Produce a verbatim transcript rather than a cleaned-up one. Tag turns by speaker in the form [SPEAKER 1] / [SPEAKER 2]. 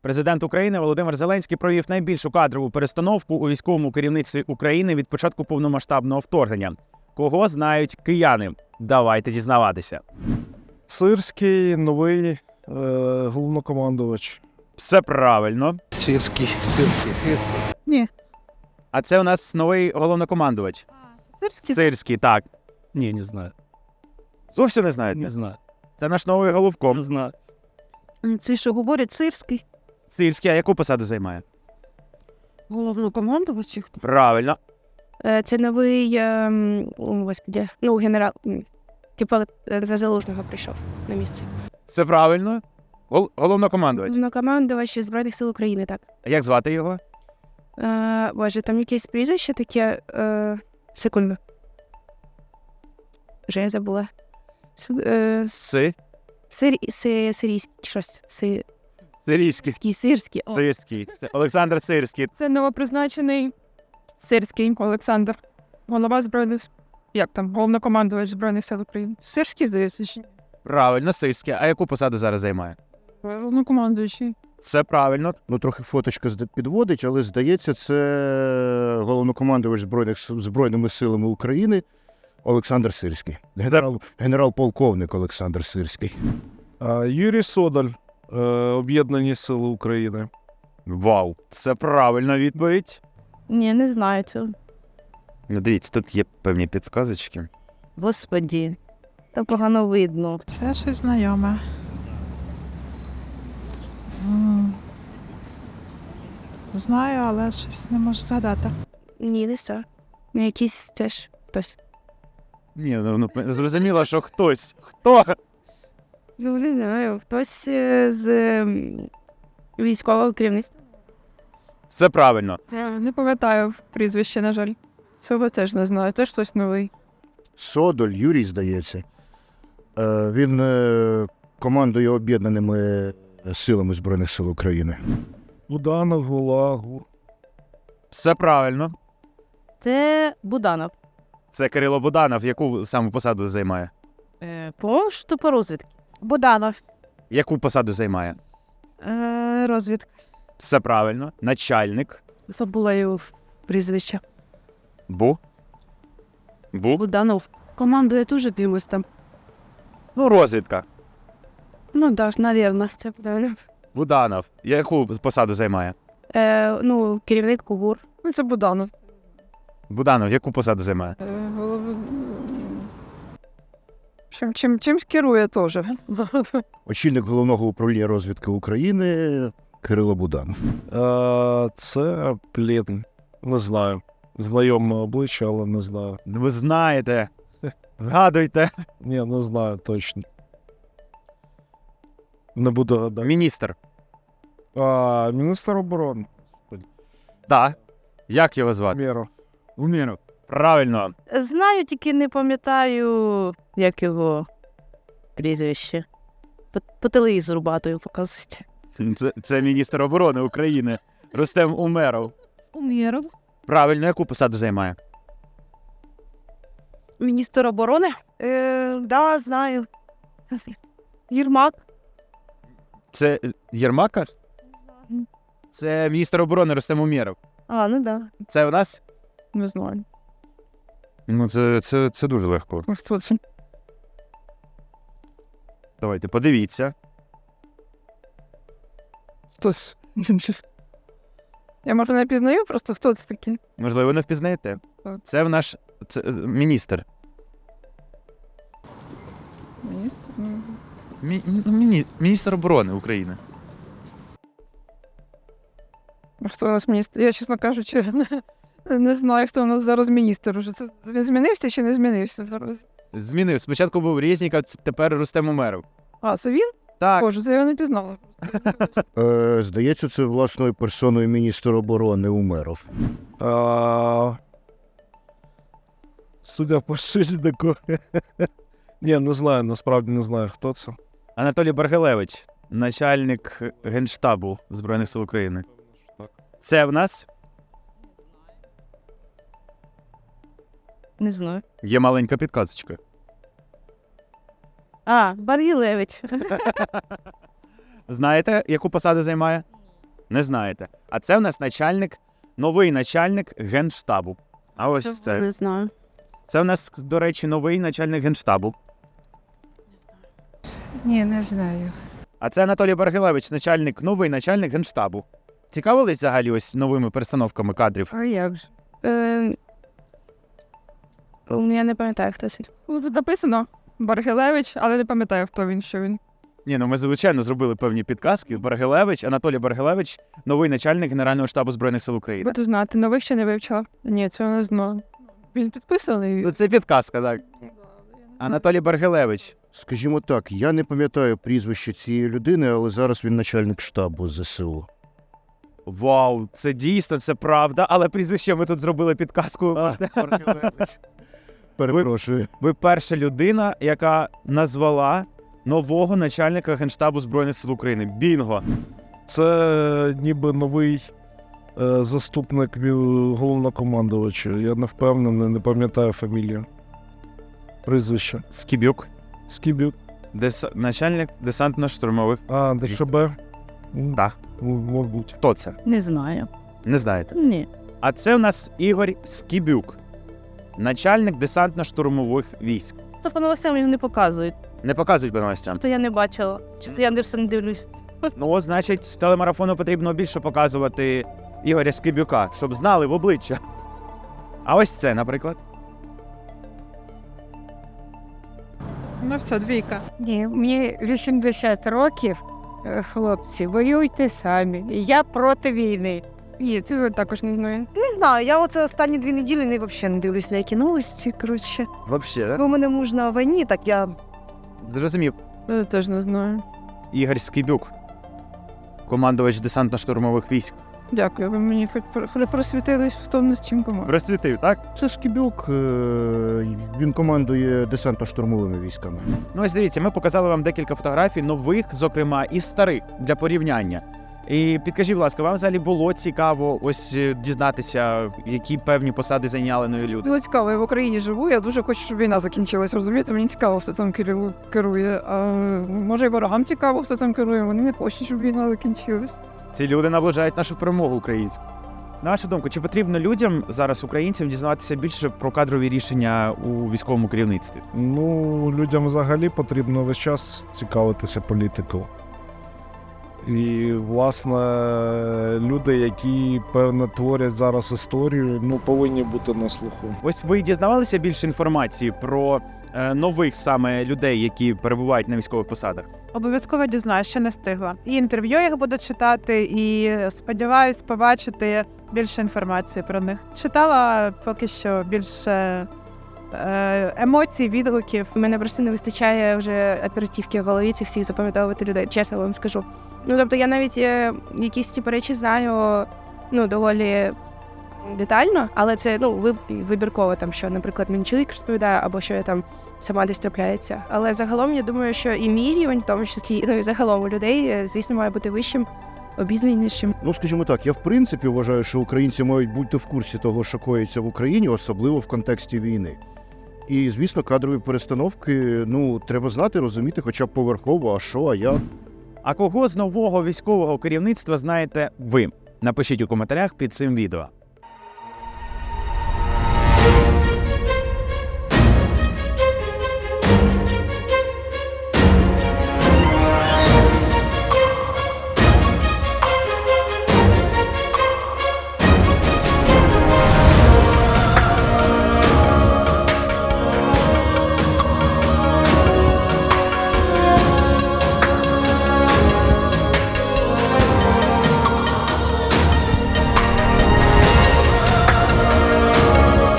[SPEAKER 1] Президент України Володимир Зеленський провів найбільшу кадрову перестановку у військовому керівництві України від початку повномасштабного вторгнення. Кого знають кияни? Давайте дізнаватися.
[SPEAKER 2] Сирський, новий е, головнокомандувач.
[SPEAKER 1] Все правильно.
[SPEAKER 3] Сирський. Сирський. Сирський.
[SPEAKER 4] Ні.
[SPEAKER 1] А це у нас новий головнокомандувач.
[SPEAKER 4] Сирський?
[SPEAKER 1] Сирський, так.
[SPEAKER 2] Ні, не знаю.
[SPEAKER 1] Зовсім не знаєте?
[SPEAKER 2] Не знаю.
[SPEAKER 1] Це наш новий головком.
[SPEAKER 2] Не знаю.
[SPEAKER 4] Це що, говорять, Сирський?
[SPEAKER 1] Сирський, а яку посаду займає?
[SPEAKER 4] Головнокомандувач?
[SPEAKER 1] Правильно.
[SPEAKER 4] Е, Це новий, ем, о, господи, ну, генерал, м, типу, е, за Залужного прийшов на місце.
[SPEAKER 1] Все правильно. Гол- головнокомандувач.
[SPEAKER 4] Головнокомандувач Збройних сил України, так.
[SPEAKER 1] А як звати його?
[SPEAKER 4] Е, Боже, там якесь прізвище таке, е, секунду. Вже я забула. С- е,
[SPEAKER 1] Си.
[SPEAKER 4] Сир, си, сирійський, чи щось, си,
[SPEAKER 1] Сирійський.
[SPEAKER 4] сирський, сирський. О.
[SPEAKER 1] Сирський. Це Олександр Сирський.
[SPEAKER 5] Це новопризначений Сирський Олександр, голова збройних с- як там, головнокомандувач Збройних сил України. Сирський, здається, чи ні?
[SPEAKER 1] Правильно, Сирський. А яку посаду зараз займає?
[SPEAKER 5] Головнокомандуючий.
[SPEAKER 1] Все правильно.
[SPEAKER 3] Ну, трохи фоточка зда- підводить, але, здається, це головнокомандувач Збройних, С- Збройними силами України Олександр Сирський. Генерал, генерал-полковник Олександр Сирський.
[SPEAKER 2] А, Юрій Содоль, е, Об'єднані Сили України.
[SPEAKER 1] Вау. Це правильна відповідь.
[SPEAKER 6] Ні, не знаю цього.
[SPEAKER 1] Ну, дивіться, тут є певні підсказочки.
[SPEAKER 6] Господі, та погано видно.
[SPEAKER 7] Це щось знайоме. М. Знаю, але щось не можу згадати.
[SPEAKER 4] Ні, не все. Ну, якийсь теж хтось.
[SPEAKER 1] Ні, ну, ну зрозуміло, що хтось. Хто?
[SPEAKER 4] Ну, не знаю, хтось е, з ем, військового керівництва.
[SPEAKER 1] Все правильно.
[SPEAKER 5] Я не пам'ятаю прізвище, на жаль. Цього теж не знаю, теж хтось новий.
[SPEAKER 3] Содоль, Юрій, здається. Е, Він е, командує Об'єднаними силами Збройних сил України.
[SPEAKER 2] Буданов, Гула, Гур.
[SPEAKER 1] Все правильно.
[SPEAKER 6] Це Буданов.
[SPEAKER 1] Це Кирило Буданов. Яку саме посаду займає?
[SPEAKER 6] Е, По що по розвідки? Буданов.
[SPEAKER 1] Яку посаду займає?
[SPEAKER 6] Е, розвідка.
[SPEAKER 1] Все правильно. Начальник.
[SPEAKER 4] Забула його прізвище.
[SPEAKER 1] Бу. Бу.
[SPEAKER 4] Буданов. Командує дуже кимось там.
[SPEAKER 1] Ну, розвідка.
[SPEAKER 4] Ну, так, навірно, це правильно.
[SPEAKER 1] Буданов. Яку посаду займає?
[SPEAKER 4] Е, ну, керівник КУГУР.
[SPEAKER 5] Ну, це Буданов.
[SPEAKER 1] Буданов, яку посаду займає?
[SPEAKER 5] Е, голов... Чим, чим, чимсь керує теж.
[SPEAKER 3] Очільник Головного управління розвідки України Кирило Буданов.
[SPEAKER 2] Е, Це, блін, не знаю. Знайоме обличчя, але не знаю.
[SPEAKER 1] Ну, ви знаєте. Згадуйте.
[SPEAKER 2] Ні, не знаю точно. Не буду гадати.
[SPEAKER 1] Міністр.
[SPEAKER 2] А, міністр оборони.
[SPEAKER 1] Так. Як його звати?
[SPEAKER 2] Мєро.
[SPEAKER 1] Уміров. Правильно.
[SPEAKER 6] Знаю, тільки не пам'ятаю, як його прізвище. По, по телевізору багато його показують.
[SPEAKER 1] Це, це міністр оборони України. Рустем Умеров.
[SPEAKER 4] Умєров.
[SPEAKER 1] Правильно, яку посаду займає?
[SPEAKER 4] Міністр оборони?
[SPEAKER 6] Е, да, знаю. Єрмак.
[SPEAKER 1] Це е, Єрмака? Це міністр оборони Рустем Умєров.
[SPEAKER 6] А, ну да.
[SPEAKER 1] Це у нас?
[SPEAKER 5] Не знаю.
[SPEAKER 1] Ну, це, це, це дуже легко.
[SPEAKER 5] А хто це?
[SPEAKER 1] Давайте, подивіться.
[SPEAKER 5] Хтось. Я, може, не пізнаю, просто хто це такий?
[SPEAKER 1] Можливо, не впізнаєте.
[SPEAKER 5] Так.
[SPEAKER 1] Це в наш це, е, міністр.
[SPEAKER 5] Міністр? М.
[SPEAKER 1] Мі, ну, міні, міністр оборони України.
[SPEAKER 5] А хто у нас міністр? Я, чесно кажучи, не, не знаю, хто у нас зараз міністр. Уже. Це, він змінився чи не змінився зараз?
[SPEAKER 1] Змінив. Спочатку був Резніков, ц- тепер Рустем Умеров.
[SPEAKER 5] А, це він?
[SPEAKER 1] Так.
[SPEAKER 5] Боже, це я його не пізнала.
[SPEAKER 3] Е, Здається, це власною персоною міністр оборони Умеров.
[SPEAKER 2] А, Судя по шильдику. Ні, не знаю, насправді не знаю, хто це.
[SPEAKER 1] Анатолій Баргилевич, начальник Генштабу Збройних сил України. Це в нас
[SPEAKER 6] Не знаю.
[SPEAKER 1] є маленька підказочка.
[SPEAKER 6] А, Баргілевич.
[SPEAKER 1] Знаєте, яку посаду займає? Не знаєте. А це в нас начальник, новий начальник Генштабу. А ось це.
[SPEAKER 4] Не знаю.
[SPEAKER 1] Це в нас, до речі, новий начальник Генштабу.
[SPEAKER 7] Ні, не знаю.
[SPEAKER 1] А це Анатолій Баргилевич, начальник, новий начальник Генштабу. Цікавились взагалі ось новими перестановками кадрів?
[SPEAKER 5] А як же?
[SPEAKER 4] Е, ну, я не пам'ятаю, хто це.
[SPEAKER 5] Ну, тут написано Баргилевич, але не пам'ятаю, хто він, що він.
[SPEAKER 1] Ні, ну ми, звичайно, зробили певні підказки. Баргилевич, Анатолій Баргилевич, новий начальник Генерального штабу Збройних сил України.
[SPEAKER 5] Буду знати, нових ще не вивчила. Ні, цього не знаю. Він підписаний.
[SPEAKER 1] Ну, це підказка, так. Анатолій Баргилевич.
[SPEAKER 3] Скажімо так, я не пам'ятаю прізвище цієї людини, але зараз він начальник штабу ЗСУ.
[SPEAKER 1] Вау, це дійсно, це правда, але прізвище ми тут зробили підказку.
[SPEAKER 3] Перепрошую.
[SPEAKER 1] Ви перша людина, яка назвала нового начальника Генштабу Збройних сил України. Бінго.
[SPEAKER 2] Це ніби новий е, заступник ві- головнокомандувача. Я не впевнений, не пам'ятаю фамілію. Прізвище.
[SPEAKER 1] Скібюк.
[SPEAKER 2] Скібюк.
[SPEAKER 1] Дес... Начальник десантно-штурмових.
[SPEAKER 2] А, ДШБ? М,
[SPEAKER 1] Так.
[SPEAKER 2] м, Мабуть.
[SPEAKER 1] Хто це?
[SPEAKER 6] Не знаю.
[SPEAKER 1] Не знаєте.
[SPEAKER 6] Ні.
[SPEAKER 1] А це у нас Ігор Скібюк. Начальник десантно-штурмових військ.
[SPEAKER 6] То по новостям його не показують.
[SPEAKER 1] Не показують по новостям.
[SPEAKER 6] То я не бачила. Чи це я не все не дивлюсь.
[SPEAKER 1] Ну, от, значить, з телемарафону потрібно більше показувати Ігоря Скибюка, щоб знали в обличчя. А ось це, наприклад.
[SPEAKER 7] Ну все, двійка.
[SPEAKER 8] Ні, мені вісімдесят років, е, хлопці, воюйте самі. Я проти війни.
[SPEAKER 5] Ні, цього також не знаю.
[SPEAKER 9] Не знаю, я от останні дві неділі не взагалі не дивлюся на які новості, коротше.
[SPEAKER 1] Взагалі, так?
[SPEAKER 9] Бо в мене муж на війні, так я
[SPEAKER 1] Зрозумів.
[SPEAKER 5] Я теж не знаю.
[SPEAKER 1] Ігор Скибюк. Командувач десантно-штурмових військ.
[SPEAKER 5] Дякую, ви мені хоч про- просвітились в тому, з чим помогли.
[SPEAKER 1] Розсвітив, так?
[SPEAKER 3] Це Скібюк, е, він командує десантно-штурмовими військами.
[SPEAKER 1] Ну ось дивіться, ми показали вам декілька фотографій, нових, зокрема, і старих, для порівняння. І підкажіть, будь ласка, вам взагалі було цікаво ось е, дізнатися, які певні посади зайняли нові люди?
[SPEAKER 5] Було цікаво, я в Україні живу, я дуже хочу, щоб війна закінчилась, розумієте? Мені цікаво, хто там керу- керує. А може і ворогам цікаво, хто там керує, вони не хочуть, щоб війна закінчилась.
[SPEAKER 1] Ці люди наближають нашу перемогу українську. На вашу думку, чи потрібно людям, зараз українцям, дізнаватися більше про кадрові рішення у військовому керівництві?
[SPEAKER 2] Ну, людям взагалі потрібно весь час цікавитися політикою. І, власне, люди, які, певно, творять зараз історію, ну, повинні бути на слуху.
[SPEAKER 1] Ось ви дізнавалися більше інформації про е, нових саме людей, які перебувають на військових посадах?
[SPEAKER 10] Обов'язково дізнаюсь, ще не встигла. І інтерв'ю їх буду читати, і сподіваюсь побачити більше інформації про них. Читала поки що більше е, емоцій, відгуків.
[SPEAKER 4] У мене просто не вистачає вже оперативки в голові цих всіх запам'ятовувати людей, чесно вам скажу. Ну, тобто я навіть е, якісь ті речі знаю, ну, доволі детально, але це, ну, ви- вибірково там, що, наприклад, мені чоловік розповідає, або що я там сама десь трапляється. Але загалом я думаю, що і мій рівень, в тому числі, ну, і загалом у людей, е, звісно, має бути вищим, обізнанішим.
[SPEAKER 3] Ну, скажімо так, я в принципі вважаю, що українці мають бути в курсі того, що коїться в Україні, особливо в контексті війни. І, звісно, кадрові перестановки, ну, треба знати, розуміти хоча б поверхово, а що, а як.
[SPEAKER 1] А кого з нового військового керівництва знаєте ви? Напишіть у коментарях під цим відео.